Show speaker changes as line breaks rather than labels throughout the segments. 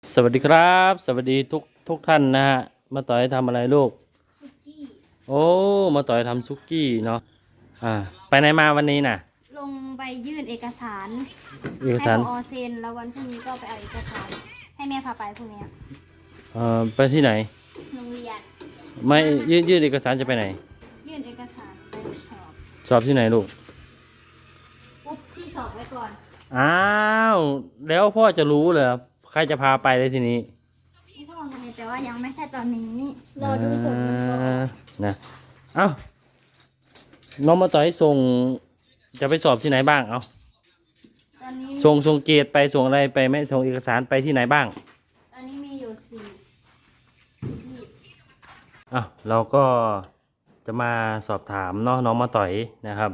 สวัสดีครับสวัสดีทุกท่านนะฮะมาต่อยทำอะไรลูก
ซุกี้
โอ้มาต่อยทำซุกี้เนาะไปไหนมาวันนี้น่ะ
ลงไปยื่นเอกสาร
เอก
ให้
สาร
ผอเซ็นแล้ววันพรุ่งนี้ก็ไปเอาเอกสารให้แม่พาไปพรุ่งนี้
ไปที่ไหน
โรงเรียน
ไม่ยื่นเอกสารจะไปไหน
ยื่นเอกสารไป
สอบที่ไหนลูก
ปุ๊บที่สอบไว้ก่อน
อ้าวแล้วพ่อจะรู้เหรอใครจะพาไปเลยทีนี้
ที่พ่อไงแต่ว่ายังไม่ใช่ตอนนี้รอดูผลมันก่อน
นะเอ้าน้องมาต่อยส่งจะไปสอบที่ไหนบ้างเอา
ตอนนี้
ส่งเกรดไปส่งอะไรไปไหมส่งเอกสารไปที่ไหนบ้าง
ตอนนี้มีอยู่สี่ที่
เราก็จะมาสอบถามเนาะน้องมาต่อยนะครับ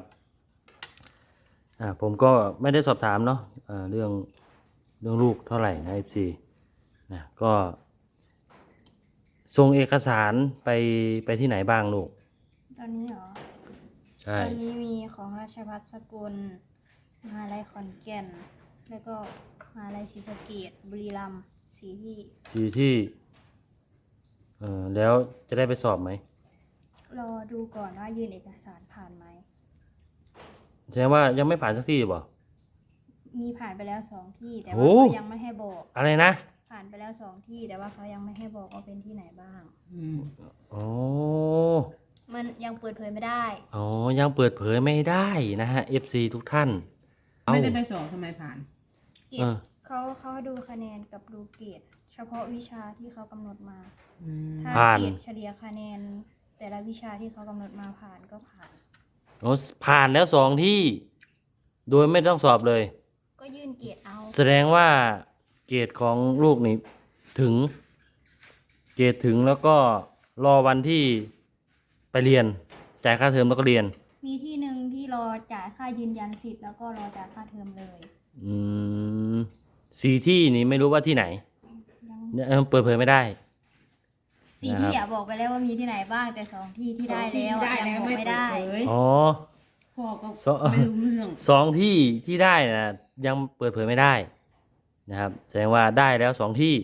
ผมก็ไม่ได้สอบถามเนาะเรื่องลูกเท่าไหร่นะ FC นะก็ส่งเอกสารไปที่ไหนบ้างลูก
ตอนนี้เหรอ
ใช่
ตอนนี้มีของราชภัฏสกลมหาลัยขอนแก่นแล้วก็มหาลัยศรีสะเกษบุรีรัมย์4 ที่
แล้วจะได้ไปสอบไหม
รอดูก่อนว่ายื่นเอกสารผ่านไหม
แสดงว่ายังไม่ผ่านสักที่บ่
มีผ่านไปแล้ว2 ที่แต่ว่าเขายังไม่ให้บอก
อะไรนะ
ผ่านไปแล้ว2 ที่แต่ว่าเขายังไม่ให้บอกว่าเป็นที่ไหนบ้าง
โอ้
มันยังเปิดเผยไม่ได้
ยังเปิดเผยไม่ได้นะฮะ FC ทุกท่าน
ไม่ได้ไปสอบทำไมผ่าน
เกรดเขาดูคะแนนกับดูเกรดเฉพาะวิชาที่เขากำหนดมาถ้าเกรดเฉลี่ยคะแนนแต่ละวิชาที่เขากำหนดมาผ่านก็ผ่าน
ผ่านแล้ว2 ที่โดยไม่ต้องสอบเลย
ก็ยื่นเกรดเอา
แสดงว่าเกรดของลูกนี่ถึงเกรดถึงแล้วก็รอวันที่ไปเรียนจ่ายค่าเทอมแล้วก็เรียน
มีที่หนึ่งที่รอจ่ายค่ายืนยันสิทธิ์แล้วก็รอจ่ายค่าเทอมเลย
4 ที่นี่ไม่รู้ว่าที่ไหนเปิดเผยไม่ได้
4 ที่บอกไปแล้วว่ามีที่ไหนบ้างแต่2 ที่ที่ได้แล้วยังบอกไม่ได้
พ่อก็ไม่รู้เรื่อง
2 ที่ที่ได้นะยังเปิดเผยไม่ได้นะครับแสดงว่าได้แล้ว2 ที่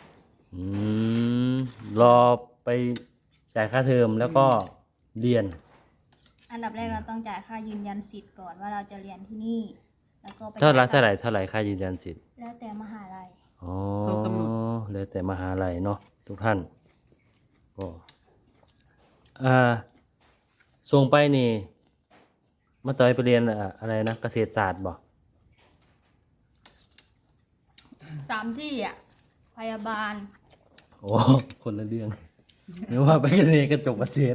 รอไปจ่ายค่าเทอมแล้วก็เรียน
อันดับแรกเราต้องจ่ายค่ายืนยันสิทธิ์ก่อนว่าเราจะเรียนที่นี่แล้วก็ไป
เท่าไหร่ค่ายืนยันสิทธิ์
แล้วแต่มหาลัย
แล้วแต่มหาลัยเนาะทุกท่านก็ส่งไปนี่มาต่อยไปเรียนอะไรนะเกษตรศาสตร์บ่
3 ที่พยาบาล
คนละเรื่องหรือว่าไปเรียนกระจกเกษตร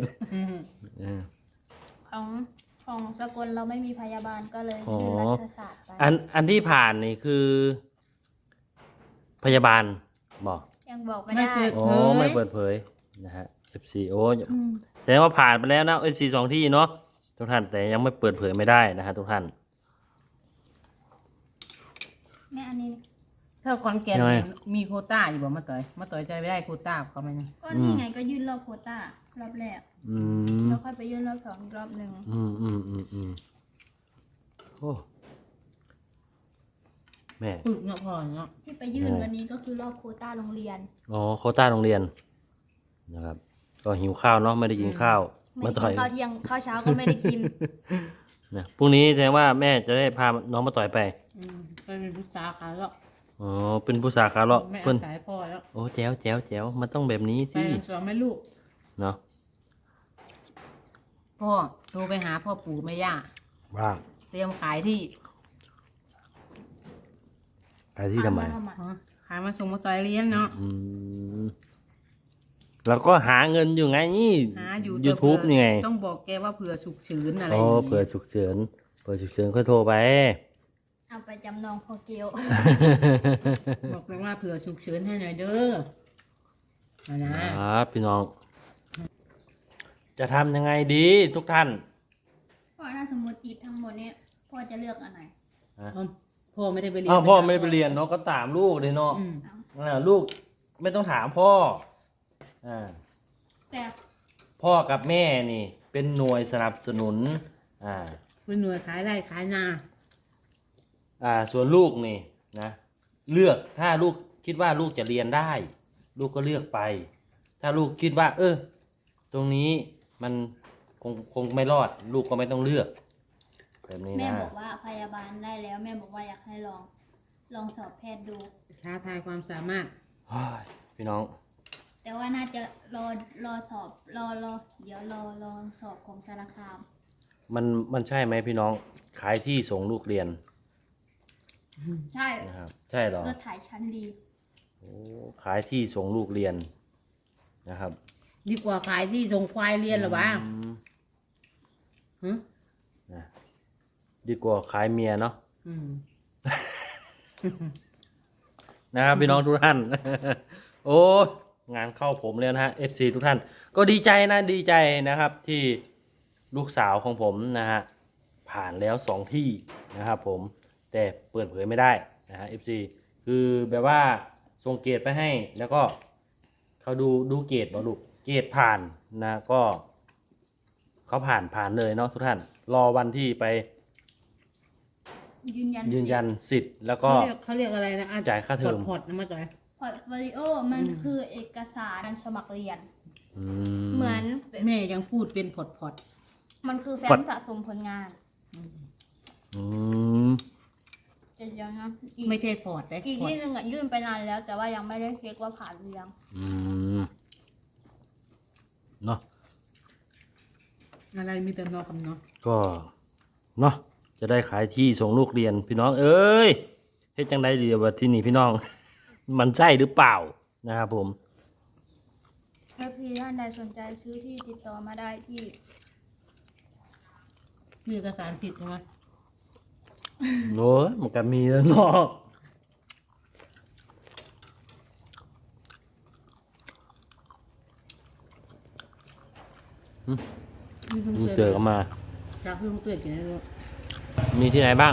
ของสกลเราไม่มีพยาบาลก็เลยยื่นรัฐศาสตร์ไป
อันที่ผ่านนี่คือพยาบาลบอก
ยังบอกไม่ได้
ไม่เปิดเผยนะฮะ FC แสดงว่าผ่านไปแล้วนะ FC 2 ที่เนาะทุกท่านแต่ยังไม่เปิดเผยไม่ได้นะฮะทุกท่าน
แม่อันนี้
ถ้าคอนแกนมีโควต้าอยู่บ่มาต่อยใจไม่ได้โควต้าเขาไหม
ก็นี่ไงก็ยื่นรอบโควต้ารอบแรกแล้วค่อยไปยื่นรอบ2อีกรอบนึง
โอ้แม่
ปึกเนาะพ่อเนาะ
ที่ไปยื่นวันนี้ก็คือรอบโควต้าโรงเรียน
โควต้าโรงเรียนนะครับก็หิวข้าวเนาะไม่ได้กินข้าว
มาต่อยข้าวเที่ยงข้าวเช้าก็ไม่ได้กิน
นะพรุ่งนี้แสดงว่าแม่จะได้พาน้องมาต่อยไป
เป็นผู้สาขาแล้ว
เป็นผู้สาขาเลาะ
เพิ่นสายพ่อแล้ว
แจ๋วมันต้องแบบนี้สิ
ไปสอนแม่ลูก
เนาะ
พ่อโทรไปหาพ่อปู่แม่ย่า
ว่า
เตรียมขายที่
ทำไม
ขายมาส่งมาต่อยเรียนเนาะ
แล้วก็หาเงินอยู่ไงนี่
หาอยู่
YouTube นี่ไง
ต้องบอกแกว่าเผื่อฉุกเฉินอะไร
เผื่อฉุกเฉินค่อยโทรไป
เอาไปจำนองพอเกียว
บอกไปว่าเผื่อฉุกเฉินให้หน่อยเด้อ
นะครับพี่น้องจะทำยังไงดีทุกท่าน
พ่อถ้าสมมติอีกทั้งหมดนี้พ่อจะเลือกอันไหน
พ่อไม่ได้ไปเรียน
พ่อไม่ได้ไปเรียนเนาะก็ตามลูกเลยเนาะลูกไม่ต้องถามพ่อ
แต่
พ่อกับแม่นี่เป็นหน่วยสนับสนุน
เป็นหน่วยขายไร่ขายนา
ส่วนลูกนี่นะเลือกถ้าลูกคิดว่าลูกจะเรียนได้ ลูกก็เลือกไป ถ้าลูกคิดว่า ตรงนี้มันคงไม่รอด ลูกก็ไม่ต้องเลือกแบบนี้
แม่
นะ
บอกว่าพยาบาลได้แล้ว แม่บอกว่าอยากให้ลองสอบแพทย์ดู
ท้าทายความสามารถ
เฮ้ยพี่น้อง
แต่ว่าน่าจะรอสอบเดี๋ยวรอสอบของสารคาม
มันใช่ไหมพี่น้อง ขายที่ส่งลูกเรียน
ใช่
นะครับ ใช่เหรอ
เลือดถ่ายชั้นดี
โอ้ขายที่ส่งลูกเรียนนะครับ
ดีกว่าขายที่ส่งควายเรียนเหรอวะ
อืม
หึ
นะดีกว่าขายเมียเนาะ
อืม
นะครับพี่น้องทุกท่าน โอ้งานเข้าผมแล้วนะฮะ FC ทุกท่าน ก็ดีใจนะดีใจนะครับที่ลูกสาวของผมนะฮะผ่านแล้ว2ที่นะครับผมแต่เปิดเผยไม่ได้นะฮะ FC คือแบบว่าส่งเกรดไปให้ แล้วก็เขาดูเกรดบ่ลูกเกรดผ่านนะก็เขาผ่านเลยเนาะทุกท่าน รอวันที่ไป
ยืนยัน
ยืนยันสิทธิ์แล้วก็
เขาเรียกอะไรนะอ่ะ
จ่ายค่าเทอม
พอร์ตนะมาจ่อย
พอร์ตโฟลิโอมันคือเอกสารการสมัครเรียน
อื
เหมือน
แม่ยังพูดเป็นพอร์ต
มันคือแฟ้มสะสมผลงาน
อืม
แต่ยังนะอีก
ไม่ใช่พอร์ตเลย
อีก
พอร์
ที่
ต
หนึ่งยื่นไปนานแล้ว แต่ว่ายังไม่ได้เช็คว่าผ่านหรือยัง
อืมเนาะ
อะไรมีแต่นอกกับเนาะ
ก็เนาะจะได้ขายที่ส่งลูกเรียนพี่น้อง เอ้ยเฮ็ดจังไดดีว่าที่นี่พี่น้อง มันใช่หรือเปล่านะครับผม
ถ้าพี่ท่านใดสนใจซื้อที่ติดต่อมาได้ที่
มีเอกสารสิทธิ์ใช่ไหม
โอ้ยมันก็มีแล้วเนาะมึงเจอกันมา
จากที่ลุงเตือนกินได้ด้วย
มีที่ไหนบ้าง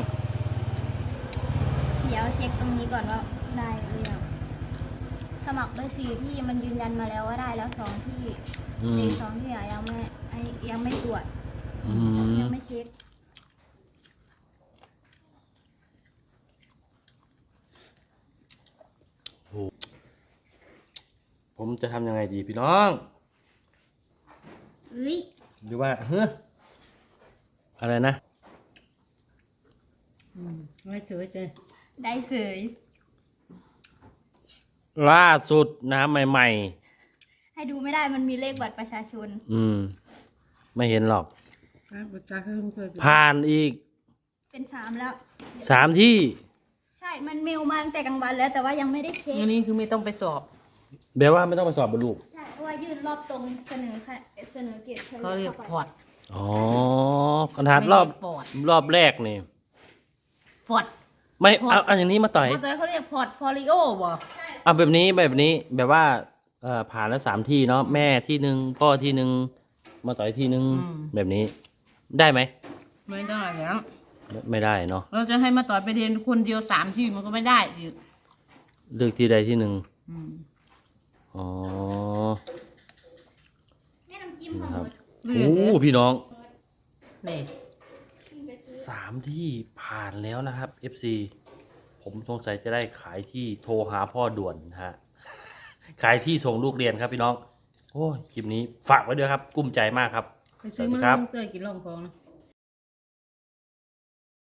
เดี๋ยวเช็คตรงนี้ก่อนว่าได้หรือยังสมัครไป4 ที่มันยืนยันมาแล้วว่าได้แล้ว2 ที่
อืม
อีก2 ที่ยังไม่ตรวจ
อืม
ยังไม่เช็ค
ผมจะทำยังไงดีพี่น้อง
เอ้ย
หรือว่าเฮ้ออะไรนะ
ไม่เฉยเจ
ได้เสย
ล่าสุดนะใหม่
ให้ดูไม่ได้มันมีเลขบัตรประชาชน
ๆ ไม่เห็นหรอก
จากที่ลุงเตือน
ผ่านอีก
เป็น3แล้ว
3 ที่
ใช่ มันเมลมาตั้งแต่กลางวันแล้วแต่ว่ายังไม่ได้เช็ค
อันนี้คือไม่ต้องไปสอบ
แบบว่าไม่ต้องไปสอบบรรลุ
ใช่เพราะว่ายื่นรอบตรงเสนอเกรดเฉลี่ย
เขาเรียก
ข้าไป
พอร์ต
อ๋อขนาดรอบ
ไม่ได้ปอด
รอบแรกนี่
พอร์ต
ไม่
พอด
เอาอย่างนี้มาต่อย
มาต่อยเขาเรียกพอร์ตโฟลิโอบ่
เอาแบบนี้แบบว่าผ่านแล้ว3 ที่เนาะแม่ที่หนึ่งพ่อที่หนึ่งมาต่อยที่หนึ่งแบบนี้ ได้ไหม
ไม่ได้แล้ว
ไม่ได้เนาะ
เราจะให้มาต่อยไปเรียนคนเดียว3 ที่มันก็ไม่ได้อีก
เลือกที่ใดที่หนึ่ง
อืม
อ๋อ
แม่น้ำจิ้มของหมด
เรียน
โอ้
เนี่ย
พี่น้อง
นี่
3 ที่ผ่านแล้วนะครับ FC ผมสงสัยจะได้ขายที่โทรหาพ่อด่วนนะฮะ ขายที่ส่งลูกเรียนครับพี่น้อง โอ้ยคลิปนี้ฝากไว้ด้วยครับ กุ้มใจมากครับ
ไปซื้อมา
สวัสดีครับ
ลุงเตือนกินรองทองนะ